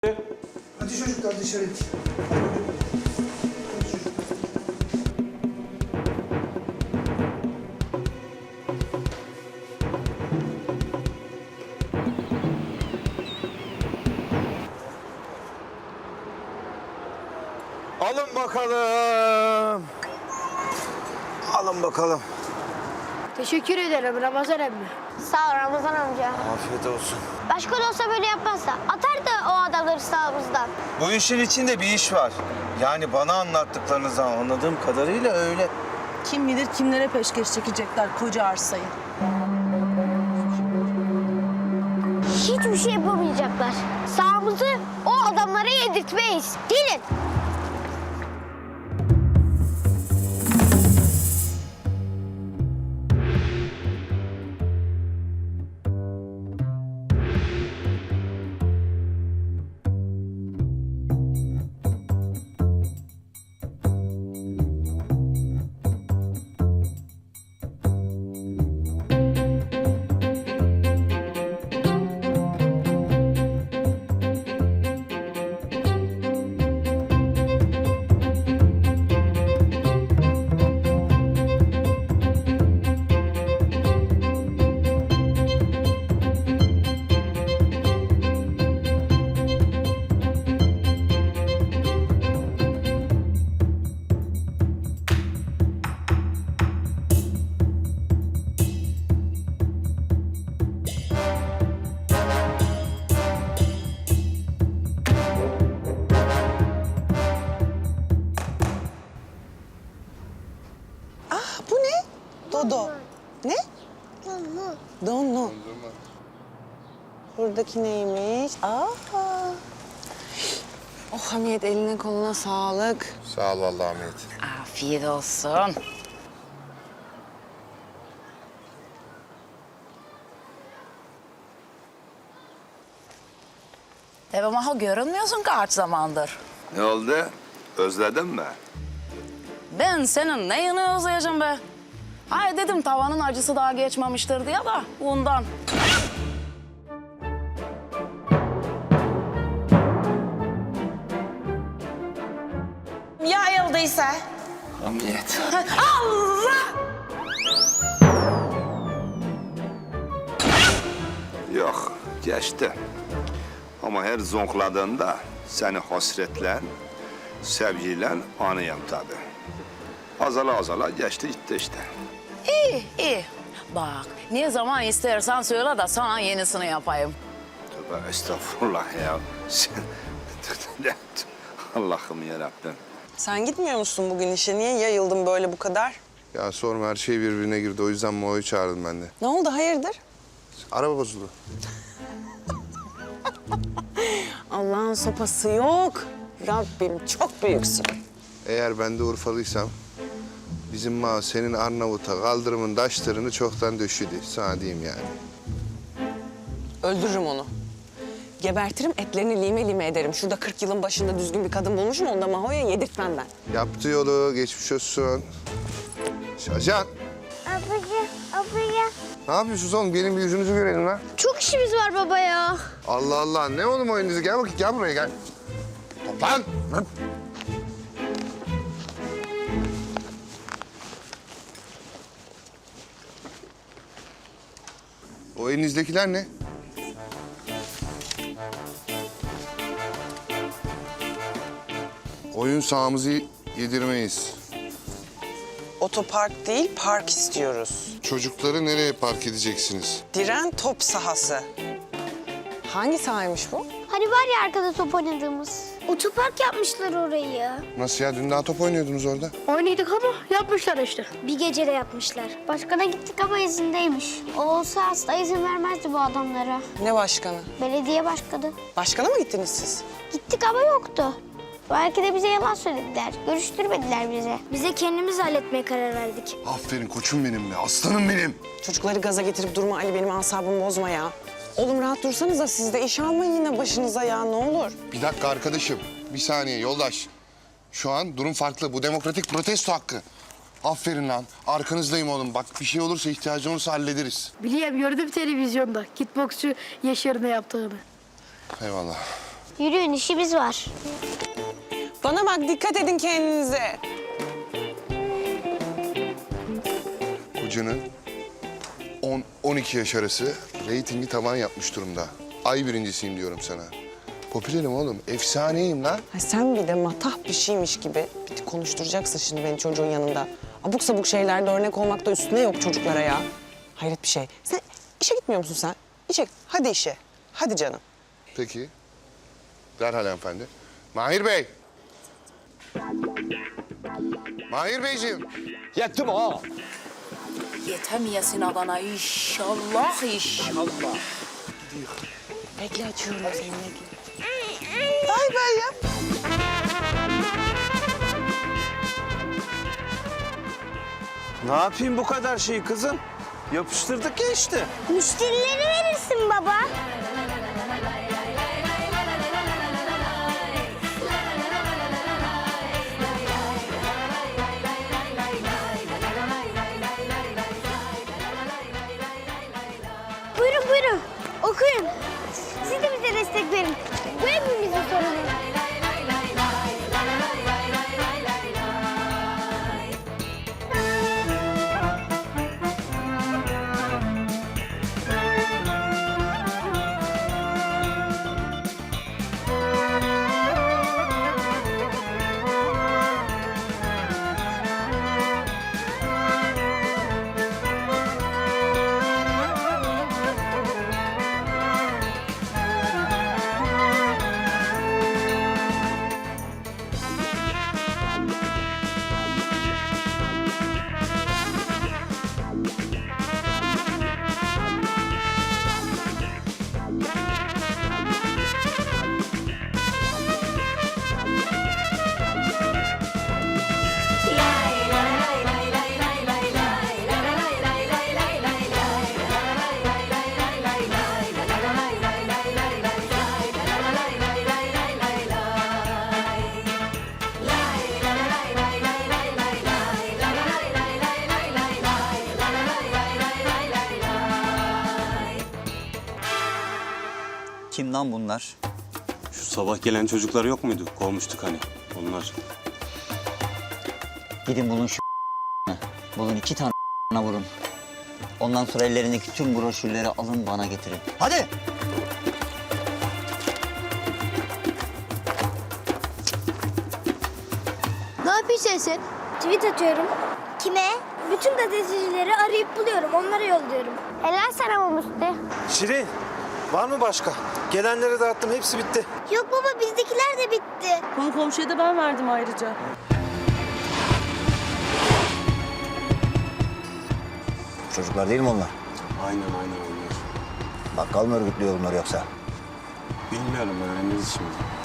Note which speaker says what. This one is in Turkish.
Speaker 1: Hadi çocuklar dışarı.
Speaker 2: Alın bakalım. Alın bakalım.
Speaker 3: Teşekkür ederim Ramazan emmi.
Speaker 4: Sağ ol Ramazan amca.
Speaker 2: Afiyet olsun.
Speaker 4: Başka da olsa böyle yapmazsa atardı o adamları sağımızdan.
Speaker 2: Bu işin içinde bir iş var. Yani bana anlattıklarınızdan anladığım kadarıyla öyle.
Speaker 5: Kim bilir kimlere peşkeş çekecekler koca arsayı.
Speaker 4: Hiçbir şey yapamayacaklar. Sağımızı o adamlara yedirtmeyiz. Gelin.
Speaker 6: Bu ne? Dodo. Ne? Donlu. Buradaki neymiş? Aa. Oh Hamiyet, eline koluna sağlık.
Speaker 7: Sağ ol vallahi Ahmet.
Speaker 5: Afiyet olsun. Devam aha görünmüyorsun kaç zamandır.
Speaker 7: Ne oldu? Özledin mi?
Speaker 5: Ben senin neyini özleyeceğim be? Hay dedim tavanın acısı daha geçmemiştir diye da ondan. Ya ayıldıysa?
Speaker 7: Hamiyet.
Speaker 5: Allah!
Speaker 7: Yok, geçti. Ama her zonkladığında seni hasretle, sevgiyle anıyım tabii. Azala azala geçti gitti işte.
Speaker 5: İyi, iyi. Bak, ne zaman istersen söyle de sana yenisini yapayım.
Speaker 7: Tövbe estağfurullah ya. Sen... Allah'ım yarabbim.
Speaker 6: Sen gitmiyor musun bugün işe? Niye yayıldın böyle bu kadar?
Speaker 7: Ya sorma, her şey birbirine girdi. O yüzden Mo'yu çağırdım ben de.
Speaker 6: Ne oldu, hayırdır?
Speaker 7: Araba bozuldu.
Speaker 6: Allah'ın sopası yok. Rabbim çok büyüksün.
Speaker 7: Eğer ben de Urfalıysam... bizim Ma senin Arnavut'a kaldırımın taşlarını çoktan döşüdü. Sana diyeyim yani.
Speaker 6: Öldürürüm onu. Gebertirim, etlerini lime lime ederim. Şurada 40 yılın başında düzgün bir kadın bulmuşum, onu da Maho'ya yedirtmem ben.
Speaker 7: Yaptı yolu, geçmiş olsun. Şacan,
Speaker 4: Abla.
Speaker 7: ne yapıyorsunuz oğlum? Gelin bir yüzünüzü görelim lan.
Speaker 4: Çok işimiz var baba ya.
Speaker 7: Allah Allah, ne oğlum oyununuzu? Gel bakayım, gel buraya gel. Toplan! Lan! O elinizdekiler ne? Oyun sahamızı yedirmeyiz.
Speaker 6: Otopark değil, park istiyoruz.
Speaker 7: Çocukları nereye park edeceksiniz?
Speaker 6: Diren top sahası. Hangi sahaymış bu?
Speaker 4: Hani var ya arkada top oynadığımız. Otopark yapmışlar orayı.
Speaker 7: Nasıl ya? Dün daha top oynuyordunuz orada.
Speaker 3: Oynadık ama yapmışlar işte.
Speaker 4: Bir gecede yapmışlar. Başkana gittik ama izindeymiş. O olsa asla izin vermezdi bu adamlara.
Speaker 6: Ne başkanı?
Speaker 4: Belediye başkanı.
Speaker 6: Başkana mı gittiniz siz?
Speaker 4: Gittik ama yoktu. Belki de bize yalan söylediler. Görüştürmediler bize. Bize kendimiz halletmeye karar verdik.
Speaker 7: Aferin koçum benim be, aslanım benim.
Speaker 6: Çocukları gaza getirip durma Ali, benim asabımı bozma ya. Oğlum rahat dursanız da siz de iş almayın yine başınıza ya, ne olur.
Speaker 7: Bir dakika arkadaşım, bir saniye yoldaş. Şu an durum farklı, bu demokratik protesto hakkı. Aferin lan. Arkanızdayım oğlum. Bak bir şey olursa, ihtiyacın olursa hallederiz.
Speaker 3: Biliyorum, gördüm televizyonda kickboksçu Yaşar'ın ne yaptığını.
Speaker 7: Eyvallah.
Speaker 4: Yürüyün, işimiz var.
Speaker 6: Bana bak, dikkat edin kendinize.
Speaker 7: Kocanın 10-12 yaş arası reytingi tavan yapmış durumda. Ay birincisiyim diyorum sana. Popülerim oğlum. Efsaneyim lan.
Speaker 6: Ha, sen bir de matah bir şeymiş gibi bir de konuşturacaksın şimdi beni çocuğun yanında. Abuk sabuk şeylerde örnek olmak da üstüne yok çocuklara ya. Hayret bir şey. Sen işe gitmiyor musun sen? İşe, hadi işe. Hadi canım.
Speaker 7: Peki. Derhal hanımefendi. Mahir Bey. Mahir Beyciğim.
Speaker 8: Yettim ha.
Speaker 5: Yetemeyesin adana inşallah inşallah.
Speaker 6: Bekle, açıyorum seni.
Speaker 2: Ne yapayım bu kadar şeyi kızım? Yapıştırdık ya işte.
Speaker 4: Müşterileri verirsin baba. Buyurun buyurun. Okuyun. Siz de bize destek verin. Bu hepimizin sorunu.
Speaker 9: Kim lan bunlar?
Speaker 8: Şu sabah gelen çocuklar yok muydu? Kovmuştuk hani. Onlar.
Speaker 9: Gidin bulun şu bulun 2 tane vurun. Ondan sonra ellerindeki tüm broşürleri alın bana getirin. Hadi!
Speaker 3: Ne yapıyorsun sen?
Speaker 4: Tweet atıyorum. Kime? Bütün gazetecileri arayıp buluyorum. Onlara yolluyorum. Helal sana bu Musti.
Speaker 2: Şirin, var mı başka? Gelenleri dağıttım, hepsi bitti.
Speaker 4: Yok baba, bizdekiler de bitti.
Speaker 6: Konu komşuya da ben verdim ayrıca.
Speaker 9: Çocuklar değil mi onlar?
Speaker 8: Aynen onlar.
Speaker 9: Bakkal mı örgütlüyor bunları yoksa?
Speaker 8: Bilmiyorum, öğreniriz şimdi.